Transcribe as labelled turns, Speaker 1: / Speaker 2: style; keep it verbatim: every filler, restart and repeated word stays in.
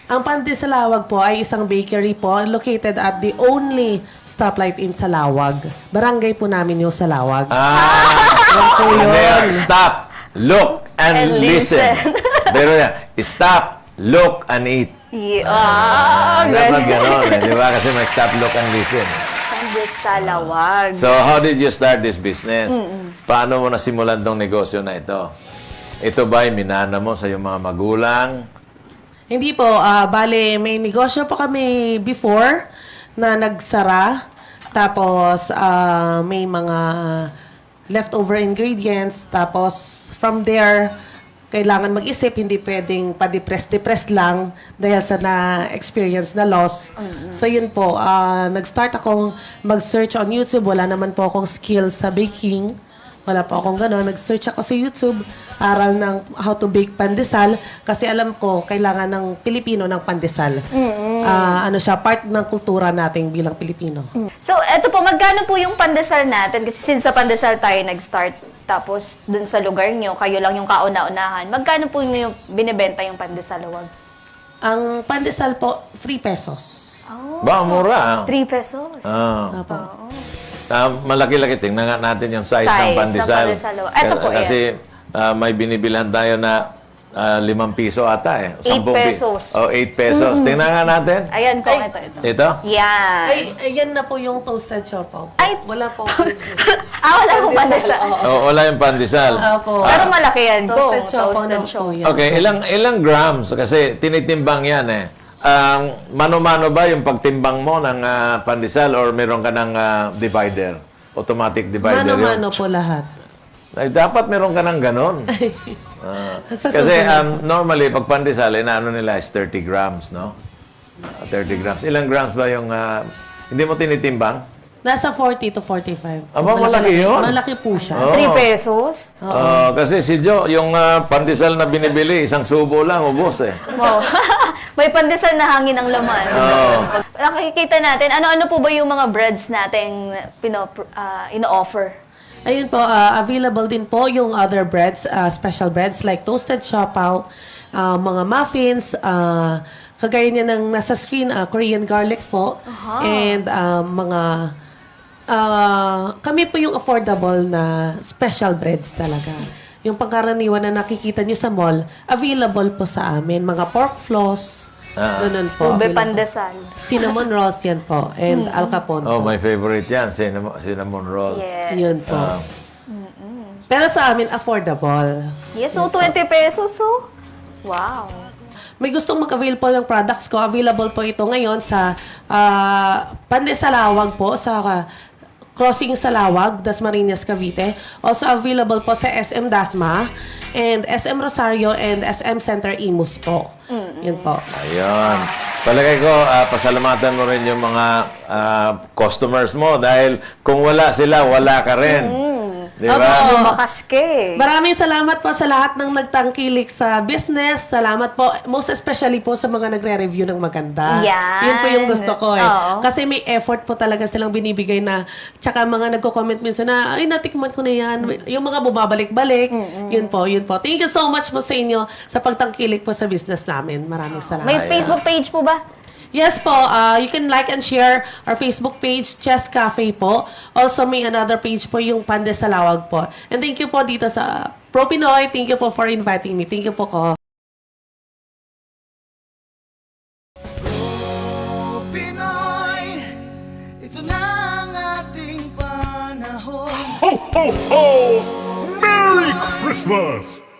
Speaker 1: Ang Pandisalawag po ay isang bakery po located at the only stoplight in Salawag. Barangay po namin yung Salawag.
Speaker 2: Ah,
Speaker 1: Yan po yun.
Speaker 2: Hindi, stop, look, and,
Speaker 3: And
Speaker 2: listen.
Speaker 3: listen.
Speaker 2: Pero yan, stop, look, and eat.
Speaker 3: Yeah. Ah,
Speaker 2: Dapat
Speaker 3: ganun.
Speaker 2: gano'n, eh, di ba? Kasi may stop, look, and listen.
Speaker 3: Pandisalawag.
Speaker 2: So, how did you start this business? Paano mo nasimulan tong negosyo na ito? Ito ba ay minana mo sa iyong mga magulang?
Speaker 1: Hindi po, ah, bale, may negosyo po kami before na nagsara. Tapos, ah, may mga leftover ingredients. Tapos, from there, kailangan mag-isip, hindi pwedeng pa-depress-depress lang dahil sa na-experience na loss. So, yun po, ah, nag-start akong mag-search on YouTube. Wala naman po akong skills sa baking. Wala po akong gano'n. Nag-search ako sa YouTube, aral ng how to bake pandesal. Kasi alam ko, kailangan ng Pilipino ng pandesal. Ah, ano siya, part ng kultura natin bilang Pilipino.
Speaker 3: So, eto po, magkano po yung pandesal natin? Kasi since sa pandesal tayo nag-start, tapos dun sa lugar nyo, kayo lang yung kauna-unahan. Magkano po yung binibenta yung pandesalawag?
Speaker 1: Ang pandesal po, three pesos.
Speaker 3: Oh,
Speaker 2: Ba, mura. ah.
Speaker 3: three pesos.
Speaker 2: Ah.
Speaker 1: Opo.
Speaker 2: Ah, malaki-laki. Tingnan nga natin yung size,
Speaker 3: Size
Speaker 2: ng
Speaker 3: ng
Speaker 2: pandesal.
Speaker 3: pandesal. Ito po,
Speaker 2: Kasi ah, may binibilhan tayo na ah, limang piso ata eh.
Speaker 3: Eight
Speaker 2: Sampung pi-
Speaker 3: pesos.
Speaker 2: Oh, eight pesos. Tingnan nga natin.
Speaker 3: Ayan po, ito, ito.
Speaker 2: Ito?
Speaker 3: Yan.
Speaker 1: Ay, ayan na po yung toasted siopaw.
Speaker 3: Ay!
Speaker 1: Wala po.
Speaker 3: ah, wala po pandesal.
Speaker 1: Oo.
Speaker 2: Oh, wala yung pandesal.
Speaker 1: Opo.
Speaker 3: Pero malaki yan po.
Speaker 1: Toasted siopaw na po
Speaker 3: siopaw.
Speaker 1: yan.
Speaker 2: Okay, ilang ilang grams? Kasi tinitimbang yan eh. Ang mano-mano ba yung pagtimbang mo ng ah, pandesal or meron ka ng ah, divider? Automatic divider yun?
Speaker 1: Mano-mano po lahat.
Speaker 2: Ay, dapat meron ka ng ganon. Ah,
Speaker 1: Sa
Speaker 2: kasi
Speaker 1: susunod.
Speaker 2: um, normally, pag pandesal, inaano nila is thirty grams, no? Ah, thirty grams. Ilang grams ba yung... ah, hindi mo tinitimbang?
Speaker 1: Nasa forty to forty-five.
Speaker 2: Aba, malaki yun.
Speaker 1: Malaki po siya.
Speaker 2: Oh.
Speaker 3: three pesos?
Speaker 2: Ah, kasi si Joe, yung ah, pandesal na binibili, isang subo lang, ubos eh.
Speaker 3: Wow. May pandesal na hangin ang laman.
Speaker 2: Oo.
Speaker 3: Nakikita natin, ano-ano po ba yung mga breads natin pino, ah, ino-offer?
Speaker 1: Ayun po, ah, available din po yung other breads, ah, special breads like toasted siopaw, ah, mga muffins, ah, kagaya niya ng nasa screen, ah, Korean garlic po, and ah, mga, ah, kami po yung affordable na special breads talaga. Yung pangkaraniwan na nakikita niyo sa mall, available po sa amin. Mga pork floss,
Speaker 2: Ah.
Speaker 1: ganun po.
Speaker 3: Ube
Speaker 1: available.
Speaker 3: pandesal.
Speaker 1: Cinnamon rolls yan po, and al capone
Speaker 2: Oh,
Speaker 1: po.
Speaker 2: my favorite yan, cinnamon, cinnamon roll.
Speaker 3: Yes.
Speaker 1: Yun po.
Speaker 2: Ah.
Speaker 1: Pero sa amin, affordable.
Speaker 3: Yes, so twenty pesos, so. Wow.
Speaker 1: May gustong mag-avail po ng products ko. Available po ito ngayon sa ah, Pandesalawag po, sa ah, Crossing Salawag, Dasmariñas, Cavite. Also available po sa S M Dasma and S M Rosario and S M Center Imus po. Yun po.
Speaker 2: Ayun. Palagay ko, ah, pasalamatan mo rin yung mga ah, customers mo dahil kung wala sila, wala ka rin. Di ba?
Speaker 1: Opo.
Speaker 3: Lumakas ka eh.
Speaker 1: Maraming salamat po sa lahat ng nagtangkilik sa business. Salamat po. Most especially po sa mga nagre-review ng maganda.
Speaker 3: Yan.
Speaker 1: Yun po yung gusto ko eh.
Speaker 3: Oo.
Speaker 1: Kasi may effort po talaga silang binibigay na, tsaka mga nagko-comment minsan na, ay, natikman ko na yan. Yung mga bumabalik-balik. Yun po, yun po. Thank you so much po sa inyo sa pagtangkilik po sa business namin. Maraming salamat.
Speaker 3: May Facebook page po ba?
Speaker 1: Yes po, uh, you can like and share our Facebook page, Chess Cafe po. Also, may another page po yung Pandesalawag po. And thank you po dito sa Pro Pinoy. Thank you po for inviting me. Thank you po ko.
Speaker 4: Pinoy, ito na ang ating panahon.
Speaker 5: Ho, ho, ho! Merry Christmas!